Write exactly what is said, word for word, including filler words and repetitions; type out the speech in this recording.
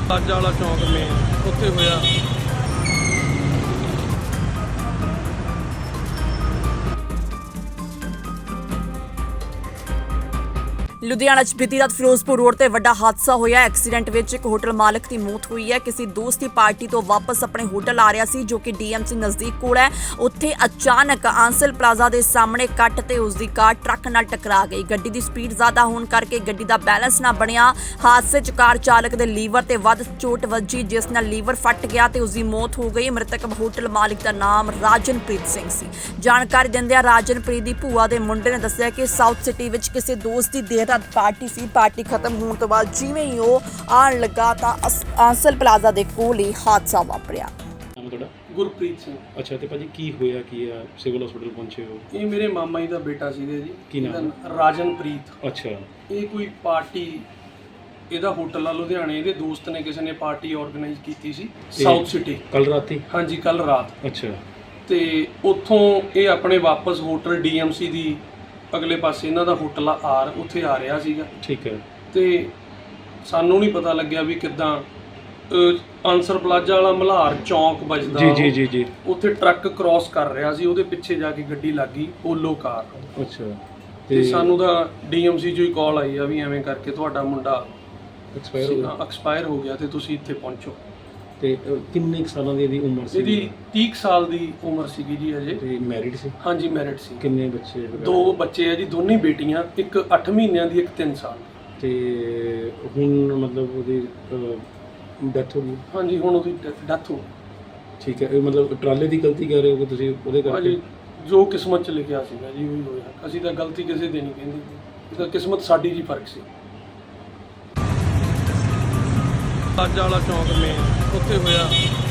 ਅੱਜ ਵਾਲਾ ਚੌਂਕ ਮੇਨ ਉੱਥੇ ਹੋਇਆ। ਲੁਧਿਆਣਾ 'ਚ ਬੀਤੀ ਰਾਤ ਫਿਰੋਜ਼ਪੁਰ ਰੋਡ ਤੇ ਵੱਡਾ ਹਾਦਸਾ ਹੋਇਆ। ਐਕਸੀਡੈਂਟ ਵਿੱਚ ਇੱਕ ਹੋਟਲ ਮਾਲਕ ਦੀ ਮੌਤ ਹੋਈ ਹੈ। ਕਿਸੇ ਦੋਸਤ ਦੀ ਪਾਰਟੀ ਤੋਂ ਵਾਪਸ ਆਪਣੇ ਹੋਟਲ ਆ ਰਿਹਾ ਸੀ ਜੋ ਕਿ ਡੀਐਮਸੀ ਨਜ਼ਦੀਕ ਕੋਲ ਹੈ। ਉੱਥੇ ਅਚਾਨਕ ਆਂਸਲ ਪਲਾਜ਼ਾ ਦੇ ਸਾਹਮਣੇ ਕੱਟ ਤੇ ਉਸ ਦੀ ਕਾਰ ਟਰੱਕ ਨਾਲ ਟਕਰਾ ਗਈ। ਗੱਡੀ ਦੀ ਸਪੀਡ ਜ਼ਿਆਦਾ ਹੋਣ ਕਰਕੇ ਗੱਡੀ ਦਾ ਬੈਲੈਂਸ ਨਾ ਬਣਿਆ। ਹਾਦਸੇ 'ਚ ਕਾਰ ਚਾਲਕ ਦੇ ਲੀਵਰ ਤੇ ਵੱਧ ਚੋਟ ਵੱਜੀ ਜਿਸ ਨਾਲ ਲੀਵਰ ਫਟ ਗਿਆ ਤੇ ਉਸ ਦੀ ਮੌਤ ਹੋ ਗਈ। ਮ੍ਰਿਤਕ ਹੋਟਲ ਮਾਲਕ ਦਾ ਨਾਮ ਰਾਜਨਪ੍ਰੀਤ ਸਿੰਘ ਸੀ। ਜਾਣਕਾਰੀ ਦਿੰਦਿਆਂ ਰਾਜਨਪ੍ਰੀਤ ਦੀ ਭੂਆ ਦੇ ਮੁੰਡੇ ਨੇ ਦੱਸਿਆ ਕਿ ਸਾਊਥ ਸਿਟੀ ਵਿੱਚ ਕਿਸੇ ਦੋਸਤ ਦੀ ਦੇਰ ਰਾਤ ਪਾਰਟੀ ਸੀ। ਪਾਰਟੀ ਖਤਮ ਹੋਣ ਤੋਂ ਬਾਅਦ ਜਿਵੇਂ ਹੀ ਉਹ ਆਉਣ ਲੱਗਾ ਤਾਂ ਆਂਸਲ ਪਲਾਜ਼ਾ ਦੇ ਕੋਲ ਹੀ ਹਾਦਸਾ ਵਾਪਰਿਆ। ਨਾਮ ਤੁਹਾਡਾ? ਗੁਰਪ੍ਰੀਤ ਸਿੰਘ। ਅੱਛਾ, ਤੇ ਭਾਜੀ ਕੀ ਹੋਇਆ ਕੀ ਆ? ਸਿਵਲ ਹਸਪੀਟਲ ਪਹੁੰਚੇ ਹੋ? ਇਹ ਮੇਰੇ ਮਾਮਾ ਜੀ ਦਾ ਬੇਟਾ ਸੀਗਾ ਜੀ। ਕੀ ਨਾਮ? ਰਾਜਨਪ੍ਰੀਤ। ਅੱਛਾ। ਇਹ ਕੋਈ ਪਾਰਟੀ ਇਹਦਾ ਹੋਟਲ ਆ ਲੁਧਿਆਣੇ, ਇਹਦੇ ਦੋਸਤ ਨੇ ਕਿਸੇ ਨੇ ਪਾਰਟੀ ਆਰਗੇਨਾਈਜ਼ ਕੀਤੀ ਸੀ ਸਾਊਥ ਸਿਟੀ ਕੱਲ ਰਾਤੀ? ਹਾਂਜੀ, ਕੱਲ ਰਾਤ। ਅੱਛਾ। ਤੇ ਉੱਥੋਂ ਇਹ ਆਪਣੇ ਵਾਪਸ ਹੋਟਲ ਡੀਐਮਸੀ ਦੀ ਅਗਲੇ ਪਾਸੇ ਇਹਨਾਂ ਦਾ ਹੋਟਲ ਆ ਆਰ, ਉੱਥੇ ਆ ਰਿਹਾ ਸੀਗਾ। ਠੀਕ ਹੈ। ਤੇ ਸਾਨੂੰ ਨਹੀਂ ਪਤਾ ਲੱਗਿਆ ਵੀ ਕਿੱਦਾਂ ਆਂਸਰ ਪਲਾਜ਼ਾ ਵਾਲਾ ਮਲਹਾਰ ਚੌਂਕ ਵੱਜਦਾ। ਜੀ ਜੀ ਜੀ ਜੀ। ਉੱਥੇ ਟਰੱਕ ਕ੍ਰਾਸ ਕਰ ਰਿਹਾ ਸੀ, ਉਹਦੇ ਪਿੱਛੇ ਜਾ ਕੇ ਗੱਡੀ ਲੱਗ ਗਈ ਪੋਲੋ ਕਾਰ। ਅੱਛਾ। ਤੇ ਸਾਨੂੰ ਤਾਂ ਡੀਐਮਸੀ ਚੋਂ ਹੀ ਕਾਲ ਆਈ ਆ ਵੀ ਐਵੇਂ ਕਰਕੇ ਤੁਹਾਡਾ ਮੁੰਡਾ ਐਕਸਪਾਇਰ ਹੋ ਗਿਆ ਐਕਸਪਾਇਰ ਹੋ ਗਿਆ ਤੇ ਤੁਸੀਂ ਇੱਥੇ ਪਹੁੰਚੋ। ਤੇ ਕਿੰਨੇ ਕੁ ਸਾਲਾਂ ਦੀ ਇਹਦੀ ਉਮਰ ਸੀ? ਇਹਦੀ ਤੀਹ ਸਾਲ ਦੀ ਉਮਰ ਸੀਗੀ ਜੀ ਅਜੇ। ਤੇ ਮੈਰਿਡ ਸੀ? ਹਾਂਜੀ, ਮੈਰਿਡ ਸੀ। ਕਿੰਨੇ ਬੱਚੇ? ਦੋ ਬੱਚੇ ਆ ਜੀ, ਦੋਨੇ ਬੇਟੀਆਂ, ਇੱਕ ਅੱਠ ਮਹੀਨਿਆਂ ਦੀ, ਇੱਕ ਤਿੰਨ ਸਾਲ। ਤੇ ਹੁਣ ਮਤਲਬ ਉਹਦੀ ਡੈਥ ਹੋ ਗਈ? ਹਾਂਜੀ, ਹੁਣ ਉਹਦੀ ਡੈਥ ਹੋ ਗਈ। ਠੀਕ ਹੈ। ਇਹ ਮਤਲਬ ਟਰਾਲੇ ਦੀ ਗਲਤੀ ਕਰ ਰਹੇ ਹੋ ਕਿ ਤੁਸੀਂ ਉਹਦੇ ਕਰਕੇ? ਹਾਂਜੀ, ਜੋ ਕਿਸਮਤ 'ਚ ਲਿਖਿਆ ਸੀਗਾ ਜੀ ਉਹੀ ਹੋਇਆ। ਅਸੀਂ ਤਾਂ ਗਲਤੀ ਕਿਸੇ ਦੀ ਨਹੀਂ ਕਹਿੰਦੇ, ਇਹ ਤਾਂ ਕਿਸਮਤ ਸਾਡੀ ਜੀ ਫਰਕ ਸੀ। ਅੱਜ ਵਾਲਾ ਚੌਂਕ ਮੇਨ ਉੱਥੇ ਹੋਇਆ।